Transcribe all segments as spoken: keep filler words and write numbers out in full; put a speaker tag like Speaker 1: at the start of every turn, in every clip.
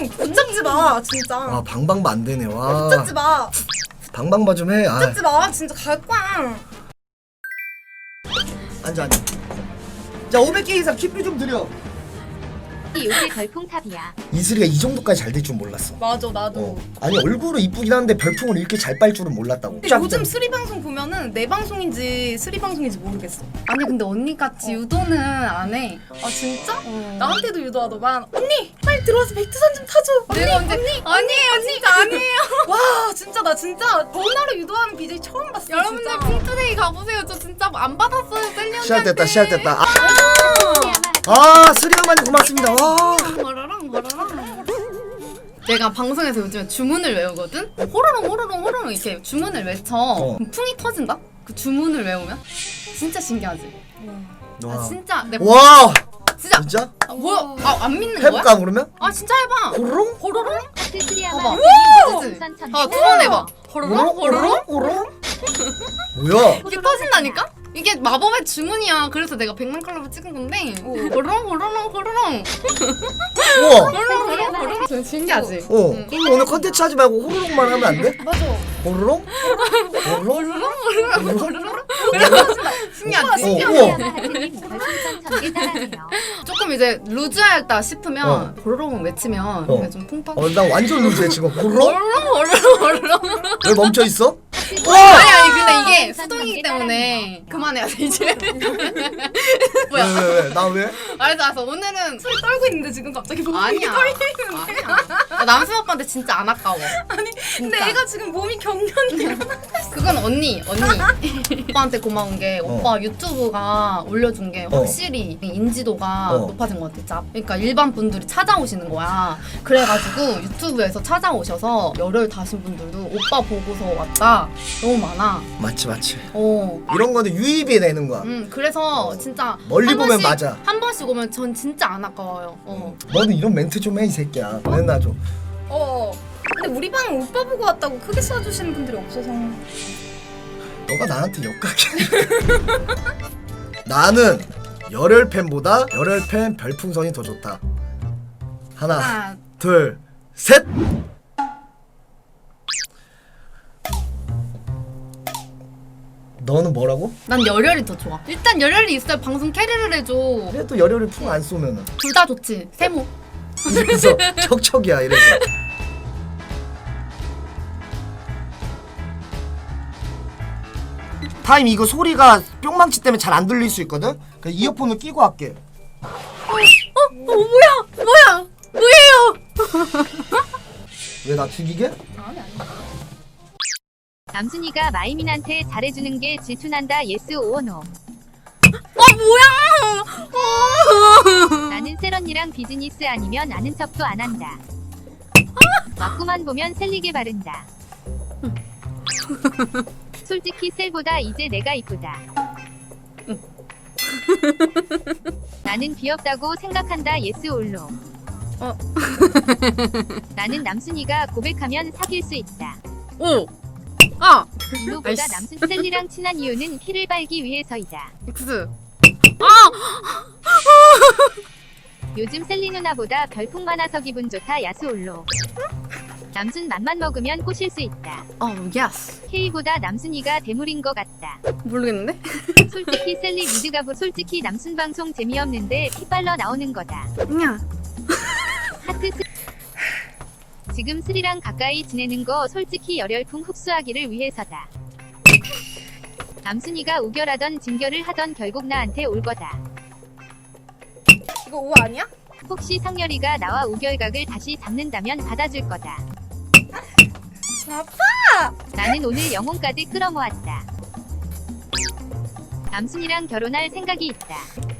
Speaker 1: 응, 붙잡지 마 진짜.
Speaker 2: 아 방방바 안 되네. 와.
Speaker 1: 붙잡지 마.
Speaker 2: 방방바 좀 해. 아.
Speaker 1: 붙잡지 마. 진짜 갈 거야.
Speaker 2: 앉아 앉아. 자 오백 개 이상 킥비 좀 드려.
Speaker 3: 요새 별풍탑이야.
Speaker 2: 이슬이가 이 정도까지 잘 될 줄 몰랐어.
Speaker 1: 맞아 나도.
Speaker 2: 어. 아니 얼굴은 이쁘긴 한데 별풍을 이렇게 잘 빨 줄은 몰랐다고.
Speaker 1: 근데 요즘 스리 방송 보면은 내 방송인지 스리 방송인지 모르겠어.
Speaker 4: 아니 근데 언니같이
Speaker 1: 어.
Speaker 4: 유도는 안 해.
Speaker 1: 아 진짜?
Speaker 4: 어.
Speaker 1: 나한테도 유도하더만. 언니 빨리 들어와서 백두산 좀 타줘. 언니
Speaker 4: 내가 언제-
Speaker 1: 언니
Speaker 4: 아니에요 진짜 아니에요.
Speaker 1: 와 진짜 나 진짜 전화로 유도하는 비제이 처음 봤어.
Speaker 4: 여러분들
Speaker 1: 진짜.
Speaker 4: 핑투데이 가보세요. 저 진짜 안 받았어요 셀리
Speaker 2: 시작됐다 시작됐다. 아,
Speaker 3: 아~
Speaker 2: 아 스리 형만이 고맙습니다. 와.
Speaker 4: 버러랑 버러랑. 내가 방송에서 요즘에 주문을 외우거든? 호로롱 호로롱 호로롱 이렇게 주문을 외쳐.
Speaker 2: 어.
Speaker 4: 그럼 풍이 터진다? 그 주문을 외우면? 진짜 신기하지? 아
Speaker 2: 와.
Speaker 4: 진짜 내
Speaker 2: 와.
Speaker 4: 진짜
Speaker 2: 진짜?
Speaker 4: 아, 뭐야? 아 안 믿는 거야?
Speaker 2: 해볼까 그러면?
Speaker 4: 아 진짜 해봐.
Speaker 2: 호롱?
Speaker 4: 호로롱?
Speaker 3: 하트 스리아마
Speaker 4: 봐봐.
Speaker 3: 우선 천
Speaker 4: 아 두 번 해봐. 호로롱 호로롱?
Speaker 2: 호롱? 뭐야?
Speaker 4: 이게 터진다니까? 이게 마법의 주문이야. 그래서 내가 백만 칼로를 찍은 건데. 호로롱 호로롱 호로롱.
Speaker 2: 우와.
Speaker 4: 호로롱 호로롱 호로롱. 진짜 신기하지?
Speaker 2: 어.
Speaker 4: 응.
Speaker 2: 그럼 오늘 컨텐츠 하지 말고 호로롱만 하면 안 돼?
Speaker 1: 맞아.
Speaker 2: 호로롱? 호로롱? 호로롱?
Speaker 4: 신기하지?
Speaker 2: 어,
Speaker 3: 스리아마
Speaker 2: 우와.
Speaker 3: 하트님 별풍선 천개 따라해요.
Speaker 4: 조금 이제 루즈할다 싶으면
Speaker 2: 어.
Speaker 4: 호로롱 외치면
Speaker 2: 어.
Speaker 4: 좀 통통.
Speaker 2: 어, 나 완전 루즈해 지금. 호로롱?
Speaker 4: 호로롱 호로롱 호로롱.
Speaker 2: 왜 멈춰 있어?
Speaker 4: 아니 아니 근데 이게 수동이기 때문에 그만해야 돼 이제. 뭐야?
Speaker 2: 왜 왜 왜? 나 왜?
Speaker 4: 알았어 알았어. 오늘은
Speaker 1: 소리 떨고 있는데 지금 갑자기 몸이
Speaker 4: 아니야.
Speaker 1: 떨리는데.
Speaker 4: 아니야. 나 남순 오빠한테 진짜 안 아까워.
Speaker 1: 아니 근데
Speaker 4: 진짜.
Speaker 1: 애가 지금 몸이 경련이야.
Speaker 4: 그건 언니 언니. 오빠한테 고마운 게
Speaker 2: 어.
Speaker 4: 오빠 유튜브가 올려준 게 확실히 인지도가
Speaker 2: 어.
Speaker 4: 높아진 것 같아. 짭. 그러니까 일반 분들이 찾아오시는 거야. 그래가지고 유튜브에서 찾아오셔서 열혈 다신 분들도 오빠 보고서 왔다. 너무 많아.
Speaker 2: 맞지 맞지.
Speaker 4: 어.
Speaker 2: 이런 거는 유입이 되는 거야.
Speaker 4: 음 그래서 진짜
Speaker 2: 멀리
Speaker 4: 한
Speaker 2: 보면
Speaker 4: 번씩,
Speaker 2: 맞아.
Speaker 4: 한 번씩 오면 전 진짜 안 아까워요. 어.
Speaker 2: 너는 이런 멘트 좀 해 이 새끼야. 맨날 좀.
Speaker 1: 어. 근데 우리 방 오빠 보고 왔다고 크게 쏴주시는 분들이 없어서.
Speaker 2: 너가 나한테 역각해. 나는 열혈 팬보다 열혈 팬 별풍선이 더 좋다. 하나,
Speaker 4: 하나
Speaker 2: 둘, 셋. 너는 뭐라고?
Speaker 4: 난 열혈이 더 좋아. 일단 열혈이 있어야 방송 캐리를 해줘.
Speaker 2: 그래도 열혈을 풍 안 쏘면은
Speaker 4: 둘 다 좋지. 세모.
Speaker 2: 이래서 척척이야 이래서. 타임 이거 소리가 뿅망치 때문에 잘 안 들릴 수 있거든? 그래서 이어폰을 끼고 할게.
Speaker 4: 어 뭐야? 뭐야? 뭐예요?
Speaker 2: 왜 나 죽이게?
Speaker 3: 남순이가 마이민한테 잘해주는 게 질투난다. 예스 오어 노.
Speaker 4: 아 뭐야?
Speaker 3: 나는 세런이랑 비즈니스 아니면 아는 척도 안 한다. 맞구만 보면 셀리게 바른다. 솔직히 셀보다 이제 내가 이쁘다. 나는 귀엽다고 생각한다. 예스 올로.
Speaker 4: 어.
Speaker 3: 나는 남순이가 고백하면 사귈 수 있다.
Speaker 4: 오. 아.
Speaker 3: 이노보다
Speaker 4: 아이씨.
Speaker 3: 남순 셀리랑 친한 이유는 키를 빨기 위해서이다.
Speaker 4: X.
Speaker 3: 요즘 셀리 누나보다 별풍 많아서 기분 좋다. 야수 올로. 남순 맘만 먹으면 꼬실 수 있다.
Speaker 4: 어 예스.
Speaker 3: K보다 남순이가 대물인 것 같다.
Speaker 4: 모르겠는데?
Speaker 3: 솔직히 셀리 미드가부 솔직히 남순 방송 재미없는데 피빨러 나오는 거다.
Speaker 4: 야.
Speaker 3: 하트 스... 지금 스리랑 가까이 지내는 거 솔직히 열혈풍 흡수하기를 위해서다. 남순이가 우결하던 진결을 하던 결국 나한테 올 거다.
Speaker 1: 이거 오 아니야?
Speaker 3: 혹시 상렬이가 나와 우결각을 다시 잡는다면 받아줄 거다.
Speaker 1: 아파!
Speaker 3: 나는 오늘 영혼까지 끌어모았다. 남순이랑 결혼할 생각이 있다.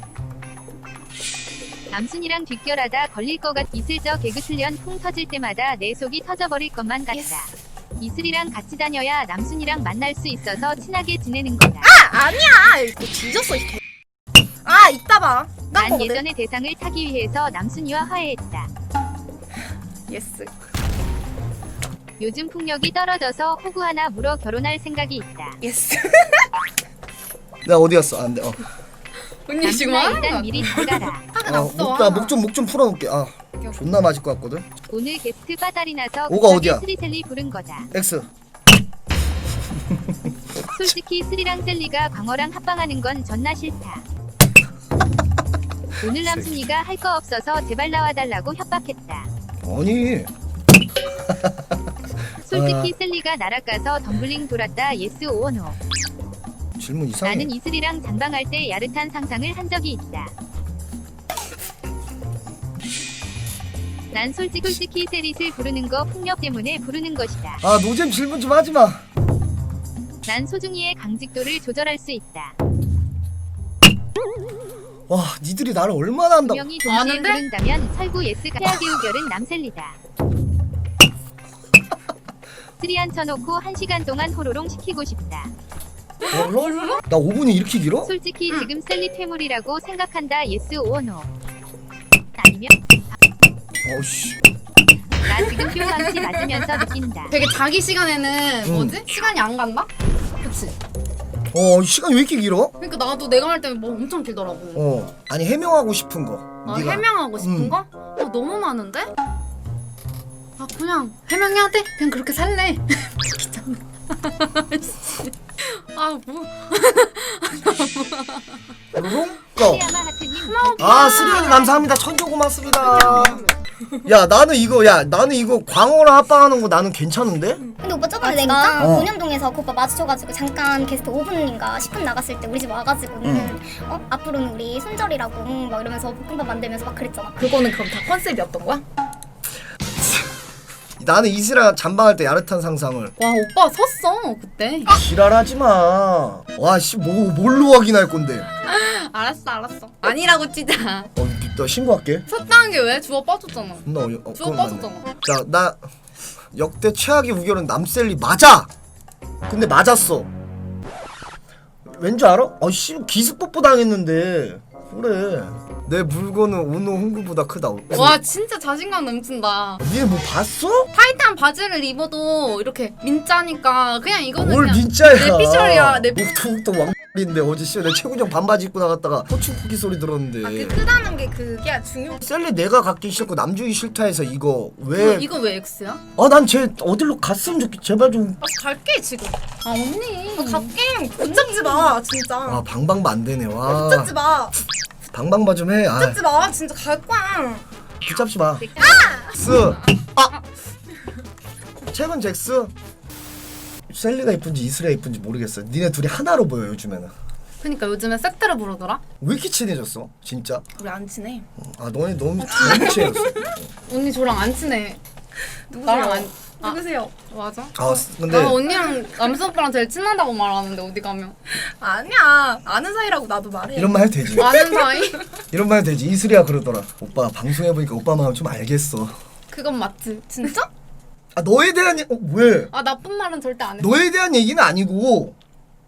Speaker 3: 남순이랑 뒷결하다 걸릴 것 같. 이슬저 개그 훈련 풍 터질 때마다 내 속이 터져버릴 것만 같다. 이슬이랑 같이 다녀야 남순이랑 만날 수 있어서 친하게 지내는 거다.
Speaker 1: 아 아니야! 이거 뒤졌어 이 개. 아 이따 봐. 난
Speaker 3: 난
Speaker 1: 거거든.
Speaker 3: 예전의 대상을 타기 위해서 남순이와 화해했다.
Speaker 1: 예스.
Speaker 3: 요즘 풍력이 떨어져서 호구 하나 물어 결혼할 생각이 있다.
Speaker 1: 예스.
Speaker 2: 나 어디 갔어? 안 돼. 어.
Speaker 4: 언니 지금
Speaker 3: 남순아
Speaker 4: 하는
Speaker 3: 일단
Speaker 4: 거야?
Speaker 3: 미리 잘 가라.
Speaker 4: 화가
Speaker 2: 어,
Speaker 4: 났어.
Speaker 2: 목, 나 목 좀 목 좀 풀어놓을게. 아.
Speaker 1: 오케이, 오케이.
Speaker 2: 존나 맞을 것 같거든.
Speaker 3: 오늘 게스트 빠달이 나서
Speaker 2: 오가
Speaker 3: 급하게
Speaker 2: 어디야?
Speaker 3: 스리셀리 부른 거다.
Speaker 2: X.
Speaker 3: 솔직히 스리랑 셀리가 광어랑 합방하는 건 존나 싫다. 오늘 남순이가 할 거 없어서 제발 나와달라고 협박했다.
Speaker 2: 아니.
Speaker 3: 솔직히
Speaker 2: 아.
Speaker 3: 셀리가 나락 가서 덤블링 돌았다. 예스 오어 노.
Speaker 2: 질문 이상해.
Speaker 3: 나는 이슬이랑 장방할 때 야릇한 상상을 한 적이 있다. 난 솔직 솔직히 세릿을 부르는 거 폭력 때문에 부르는 것이다.
Speaker 2: 아 노잼 질문 좀 하지 마.
Speaker 3: 난 소중이의 강직도를 조절할 수 있다.
Speaker 2: 와 니들이 나를 얼마나 한다.
Speaker 3: 분명히 동시에
Speaker 4: 아는데?
Speaker 3: 부른다면 설구 예스가 최악의 우결은 남셀리다. 쓰리 앉혀놓고 한 시간 동안 호로롱 시키고 싶다.
Speaker 2: 얼로? 나 오 분이 이렇게 길어?
Speaker 3: 솔직히 지금 셀리 퇴물이라고 생각한다. 예스 오어 노. 아니면
Speaker 2: 어우씨.
Speaker 3: 나 지금 뿅망치 맞으면서 느낀다.
Speaker 4: 되게 자기 시간에는
Speaker 2: 응.
Speaker 4: 뭐지? 시간이 안 간다? 그치?
Speaker 2: 어 시간이 왜 이렇게 길어?
Speaker 4: 그러니까 나도 내가 할 때는 뭐 엄청 길더라고.
Speaker 2: 어 아니 해명하고 싶은 거.
Speaker 4: 아,
Speaker 2: 네가.
Speaker 4: 해명하고 싶은
Speaker 2: 응.
Speaker 4: 거? 아, 너무 많은데? 아, 그냥 해명해야 돼? 그냥 그렇게 살래. 귀찮네. 아, 뭐.
Speaker 2: 로롱? 고.
Speaker 3: 시야마 하트님
Speaker 2: 아 스리언니 감사합니다. 천조 고맙습니다. 야 나는 이거 야 나는 이거 광어랑 합방하는 거 나는 괜찮은데?
Speaker 5: 근데 오빠 저번에 내가
Speaker 2: 어.
Speaker 5: 본연동에서 그 오빠 마주쳐가지고 잠깐 게스트 오 분인가 십 분 나갔을 때 우리 집 와가지고는
Speaker 2: 응.
Speaker 5: 어 앞으로는 우리 손절이라고 막 이러면서 볶음밥 만들면서 막 그랬잖아.
Speaker 1: 그거는 그럼 다 컨셉이었던 거야?
Speaker 2: 나는 이슬아 잠방할 때 야릇한 상상을.
Speaker 4: 와, 오빠 섰어, 그때.
Speaker 2: 지랄하지 마. 와씨 뭐 뭘로 확인할 건데?
Speaker 4: 알았어, 알았어. 아니라고 찌자.
Speaker 2: 어, 나 신고할게.
Speaker 4: 섰다는 게 왜? 주워 빠졌잖아.
Speaker 2: 나 어이- 어,
Speaker 4: 주워
Speaker 2: 그건 맞네.
Speaker 4: 빠졌잖아.
Speaker 2: 자, 나 역대 최악의 우결은 남셀리 맞아. 근데 맞았어. 왠지 알아? 아씨 기습 뽀뽀 당했는데. 그래. 내 물건은 오노 홍구보다 크다.
Speaker 4: 와, 진짜 자신감 넘친다.
Speaker 2: 니네 뭐 봤어?
Speaker 4: 타이트한 바지를 입어도 이렇게 민짜니까 그냥 이거는
Speaker 2: 뭘
Speaker 4: 그냥
Speaker 2: 민짜야?
Speaker 4: 내 피셜이야, 내 피-
Speaker 2: 목도목도 왕인데 어제 씨 내 최군형 반바지 입고 나갔다가 호충쿠키 소리 들었는데.
Speaker 1: 아, 그 크다는 게 그게 중요.
Speaker 2: 셀리 내가 갖기 싫고 남주기 싫다 해서 이거 왜?
Speaker 4: 이거 왜 X야?
Speaker 2: 아 난 쟤 어디로 갔으면 좋겠. 제발 좀.
Speaker 1: 아, 갈게 지금.
Speaker 4: 아, 언니.
Speaker 1: 아, 갈게. 붙잡지 마, 진짜.
Speaker 2: 아 방방바 안 되네. 와.
Speaker 1: 붙잡지 마.
Speaker 2: 방방바 좀 해. 아.
Speaker 1: 붙잡지 마. 진짜 갈 거야.
Speaker 2: 붙잡지 마. 스. 아. 최근 잭스. 셀리가 이쁜지 이슬이가 이쁜지 모르겠어. 니네 둘이 하나로 보여 요즘에는.
Speaker 4: 그러니까 요즘에 세트를 부르더라.
Speaker 2: 왜 이렇게 친해졌어? 진짜?
Speaker 1: 우리 안 친해.
Speaker 2: 아 너네 너무 너무 친해졌어.
Speaker 4: 언니 저랑 안 친해.
Speaker 1: 누구세요?
Speaker 4: 나랑 안. 아,
Speaker 1: 누구세요?
Speaker 4: 맞아?
Speaker 2: 아 근데
Speaker 4: 나 언니랑 남수 오빠랑 제일 친하다고 말하는데 어디 가면
Speaker 1: 아니야. 아는 사이라고 나도 말해.
Speaker 2: 이런 말 해도 되지.
Speaker 4: 아는 사이?
Speaker 2: 이런 말 해도 되지. 이슬이가 그러더라. 오빠 방송해 보니까 오빠 마음 좀 알겠어.
Speaker 4: 그건 맞지.
Speaker 1: 진짜?
Speaker 2: 아 너에 대한 얘- 어 왜?
Speaker 4: 아, 나쁜 말은 절대 안 해.
Speaker 2: 너에 대한 얘기는 아니고